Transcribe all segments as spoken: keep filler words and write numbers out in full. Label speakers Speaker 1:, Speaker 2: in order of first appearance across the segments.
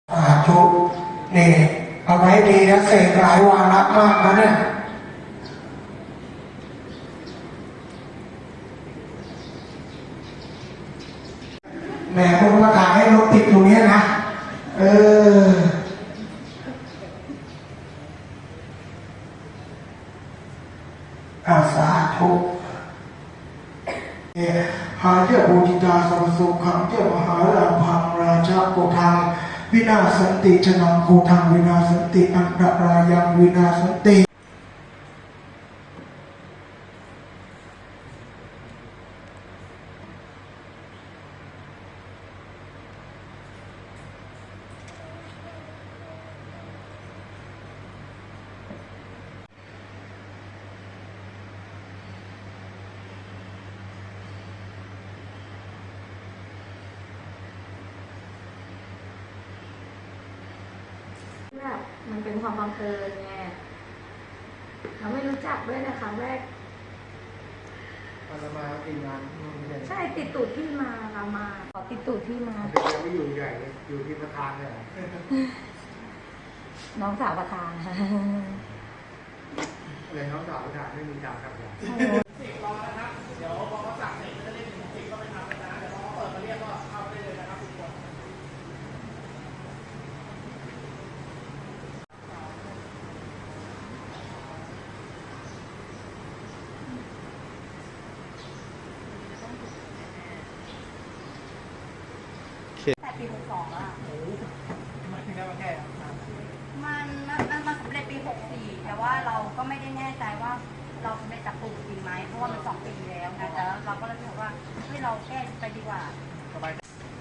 Speaker 1: สาธุนี่เอาไว้ดีนะเสกหลายวาระมากนะเนี่ยแหมคุณมาถ่ายให้รถติดตรงนี้นะเอออาสาธุหาเจ้าบูจิตาสัมสุขังเจ้ามหาลาภังราชาโกทังวินาสันติชนังโกทังวินาสันติอันตรายังวินาสันติ
Speaker 2: แบบมันเป็นความบังเอิญไงเราไม่รู้จักด้วยนะครั้งแรก
Speaker 3: อาตมาติดงาน
Speaker 2: ใช่ติดตูดที่มาเรามาขอติดตูดที่มา
Speaker 3: ยังไม่อยู่ใหญ่เลยอยู่ที่ประธานเนี่ย
Speaker 2: น้องสาวประธาน
Speaker 3: อะไรน้องสาวประธานไม่มีจ่าครับเนี่ยสี่รอนะครับเดี๋ยวพอเขาสั่งเสร็จจะเล่นถึงสี่ก็ไปทำกันนะเดี๋ยวพอเขาเปิดมาเรียกก็เข้าได้เลยนะครับทุกคน
Speaker 4: แต่ปีหกสองอะ
Speaker 3: โอ้โหทำไมถึงได้มาแก้
Speaker 4: มันมันมันมันสำเร็จปีหกสี่แต่ว่าเราก็ไม่ได้แน่ใจว่าเราสำเร็จจากปลูกจริงไหมเพราะว่ามันสองปีแล้วนะแต่เราก็เลยคิดว่าเฮ้ยเราแก้ไปดีกว่า
Speaker 3: สบาย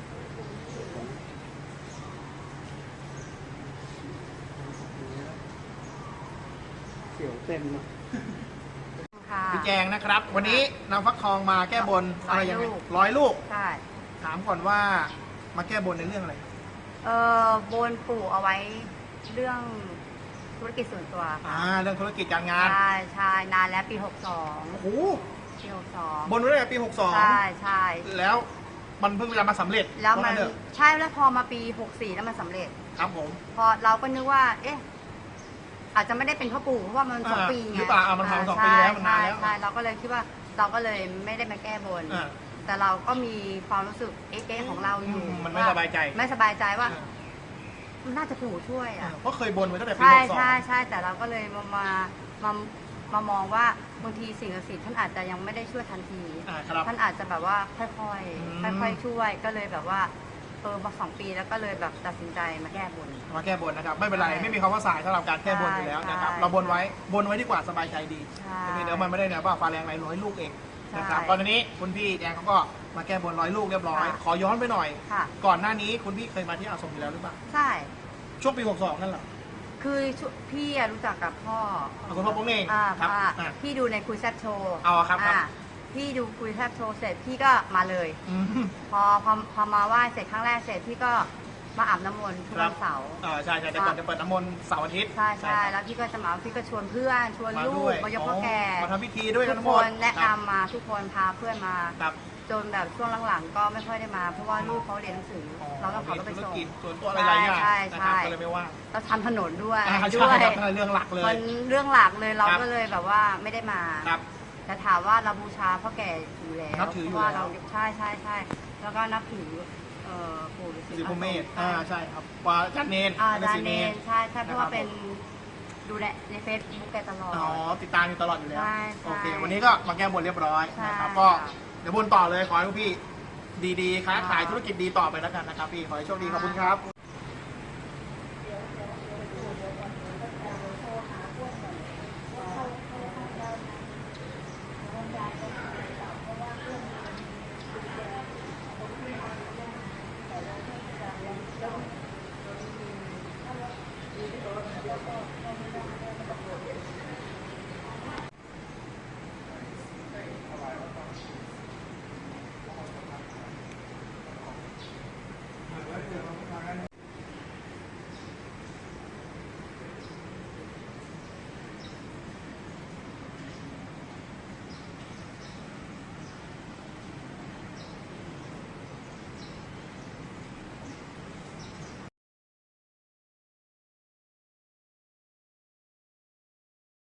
Speaker 3: เสียวเต็มพี่แจงนะครับวันนี้นำฟักทองมาแก้บนอะไรยังไงร้อยลูก
Speaker 4: ใช่
Speaker 3: ถามก่อนว่ามาแก้บนในเรื่องอะไร
Speaker 4: เออบนปู่เอาไว้เรื่องธุรกิจส่วนตัว
Speaker 3: อ่าเรื่องธุรกิจการงาน
Speaker 4: ใช่ใช่นานแล้วปีหกสอง
Speaker 3: โอ้โห
Speaker 4: ปีหกสอง
Speaker 3: บนไว้ตั้งแต่ปีหกสอง
Speaker 4: ใช่ใช่
Speaker 3: แล้วมันเพิ่งจะมาสำเร็จ
Speaker 4: แล้วมันใช่แล้วพอมาปีหกสี่แล้วมันสำเร็จ
Speaker 3: ครับผม
Speaker 4: พอเราก็นึกว่าเอ๊ะอาจจะไม่ได้เป็นพ่อปู่เพราะว่ามันสองปีไง
Speaker 3: หรือเปล่ามันทำสองปีแล้วมันนานแล้ว
Speaker 4: ใช่เราก็เลยคิดว่าเราก็เลยไม่ได้มาแก้บนแต่เราก็มีความรู้สึกเอ๊ะของเราอยู่
Speaker 3: มันไม่สบายใจ
Speaker 4: ไม่สบายใจว่ามันน่าจะปู่ช่วยอ่ะ
Speaker 3: เพราะเคยบนไว้ตั้งแต่ปี
Speaker 4: ห
Speaker 3: กสอง
Speaker 4: ใช่ใช่ใช่แต่เราก็เลยมามามามามองว่าบางทีสิ่งศักดิ์สิทธิ์ท่านอาจจะยังไม่ได้ช่วยทันทีท่านอาจจะแบบว่าค่อยๆค่อยๆช่วยก็เลยแบบว่าเออมาสองปีแล้วก็เลยแบบตัดสินใจมาแก้บน
Speaker 3: มาแก้บนนะครับไม่เป็นไรไม่มีคำว่าสายสำหรับการแก้บนอยู่แล้วนะครับเราบนไว้บนไว้ดีกว่าสบายใจดีเดี๋ยวมันไม่ได้เนี่ยว่าฟ้าแรงไรร้อยลูกเองนะครับตอนนี้คุณพี่แดงเขาก็มาแก้บนร้อยลูกเรียบร้อยขอย้อนไปหน่อยก่อนหน้านี้คุณพี่เคยมาที่อาสมอยู่แล้วหรือเปล่า
Speaker 4: ใช่
Speaker 3: ช่วงปีหกสองนั่นเหรอ
Speaker 4: คือพี่รู้จักกับพ่อ
Speaker 3: คุณพ่อโป้งเอง
Speaker 4: ครับพี่ดูในคุยแซบโชว์
Speaker 3: อ๋อครับ
Speaker 4: พี่ดูคุยแซบโชว์เสร็จพี่ก็มาเลยพอพอพอมาไหว้เสร็จครั้งแรกเสร็จพี่ก็มาอาบน้ำมนต์ทุกวันเสาร์
Speaker 3: อ่าใช่ใช่แต่ก่อนจะเปิดน้ำมนต์เสาร์อาทิตย์
Speaker 4: ใช่ใช่แล้วพี่ก็จะมาพี่ก็ชวนเพื่อนชวนลูกมายกพ่อแก่
Speaker 3: มาทำพิธีด้วย
Speaker 4: ทุกคนแนะนำมาทุกคนพาเพื่อนมาจนแบบช่วงหลังๆก็ไม่ค่อยได้มาเพราะว่าลูกเขาเรียนหนังสือเราต้องขับรถไปส่ง
Speaker 3: ส่วนตัวอะไรหลายอย่างนะครับก็เลยไม่ว่า
Speaker 4: เราทำถนนด้วย
Speaker 3: ด้วยเรื่องหลักเลย
Speaker 4: มันเรื่องหลักเลยเราก็เลยแบบว่าไม่ได้มาแต่ถามว่าเราบูชาพ่อแก่อยู่แล้วเพราะว่าเราใช่ใช่ใช่แล้วก็นับถือปู่ฤาษี
Speaker 3: พรหมเมธอ่าใช่ครับว่าจันเนน
Speaker 4: อ่าจันเนนใช่ใช่เพราะว่าเป็นดูแลในเฟซบุ๊กแกตลอด
Speaker 3: อ๋อติดตามอยู่ตลอดอยู่แล้วโอเควันนี้ก็มาแก้บนเรียบร้อยนะครับก็เดี๋ยวบนต่อเลยขอให้พี่ดีๆค้าขายธุรกิจดีต่อไปแล้วกันนะครับพี่ขอให้โชคดีขอบคุณครับ